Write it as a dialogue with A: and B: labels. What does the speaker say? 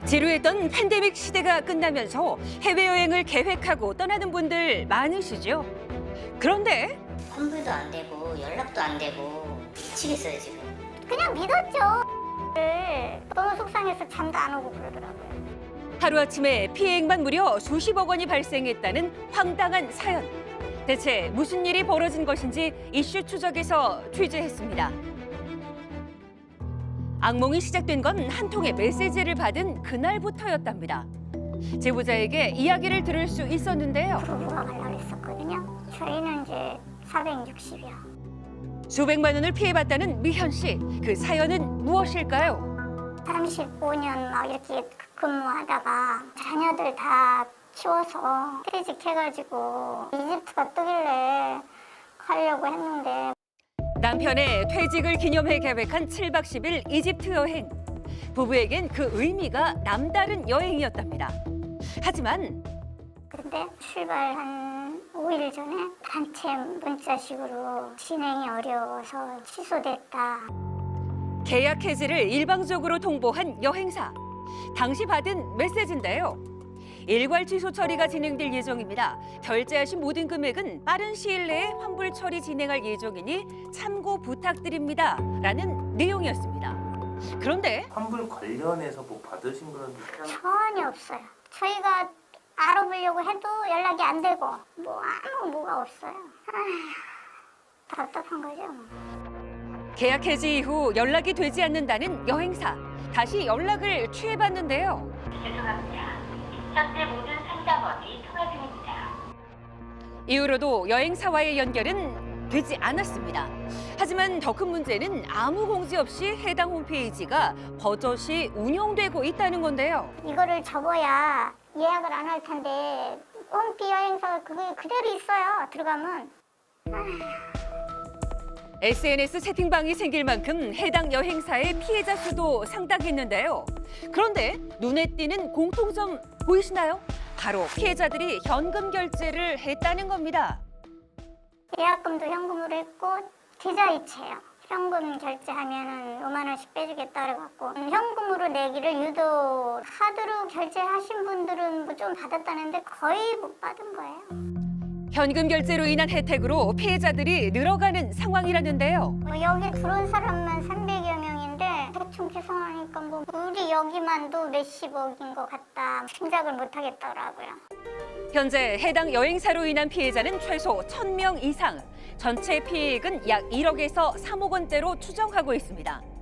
A: 지루했던 팬데믹 시대가 끝나면서 해외여행을 계획하고 떠나는 분들 많으시죠? 그런데
B: 환불도 안 되고 연락도 안 되고 미치겠어요 지금.
C: 그냥 믿었죠. 너무 속상해서 잠도 안 오고 그러더라고요.
A: 하루아침에 피해액만 무려 수십억 원이 발생했다는 황당한 사연. 대체 무슨 일이 벌어진 것인지 이슈 추적에서 취재했습니다. 악몽이 시작된 건 한 통의 메시지를 받은 그날부터였답니다. 제보자에게 이야기를 들을 수 있었는데요.
C: 부부가 가려고 했었거든요. 저희는 이제 460이요.
A: 수백만 원을 피해봤다는 미현 씨. 그 사연은 무엇일까요?
C: 35년 막 이렇게 근무하다가 자녀들 다 키워서 퇴직해가지고 이집트가 뜨길래 가려고 했는데
A: 남편의 퇴직을 기념해 계획한 7박 10일 이집트 여행. 부부에겐 그 의미가 남다른 여행이었답니다. 하지만
C: 근데 출발 한 5일 전에 단체 문자식으로 진행이 어려워서 취소됐다.
A: 계약 해지를 일방적으로 통보한 여행사. 당시 받은 메시지인데요. 일괄 취소 처리가 진행될 예정입니다. 결제하신 모든 금액은 빠른 시일 내에 환불 처리 진행할 예정이니 참고 부탁드립니다. 라는 내용이었습니다. 그런데
D: 환불 관련해서 뭐 받으신 그런
C: 전혀 없어요. 저희가 알아보려고 해도 연락이 안 되고 뭐 아무 뭐가 없어요. 답답한 거죠.
A: 계약 해지 이후 연락이 되지 않는다는 여행사. 다시 연락을 취해봤는데요.
E: 죄송합니다. 현재 모든 상담원이 통화 중입니다.
A: 이후로도 여행사와의 연결은 되지 않았습니다. 하지만 더 큰 문제는 아무 공지 없이 해당 홈페이지가 버젓이 운영되고 있다는 건데요.
C: 이거를 접어야 예약을 안 할 텐데 홈피 여행사 그게 그대로 있어요. 들어가면.
A: SNS 채팅방이 생길 만큼 해당 여행사의 피해자 수도 상당했는데요. 그런데 눈에 띄는 공통점 보이시나요? 바로 피해자들이 현금 결제를 했다는 겁니다.
C: 예약금도 현금으로 했고 계좌이체요. 현금 결제하면 5만 원씩 빼주겠다 그래갖고 현금으로 내기를 유도 카드로 결제하신 분들은 뭐 좀 받았다는데 거의 못 받은 거예요.
A: 현금 결제로 인한 혜택으로 피해자들이 늘어가는 상황이라는데요.
C: 뭐 여기 들어온 사람만 300여 명인데 대충 계산하니까 뭐 우리 여기만도 몇십억인 것 같다. 짐작을 못 하겠더라고요.
A: 현재 해당 여행사로 인한 피해자는 최소 1,000명 이상, 전체 피해액은 약 1억에서 3억 원대로 추정하고 있습니다.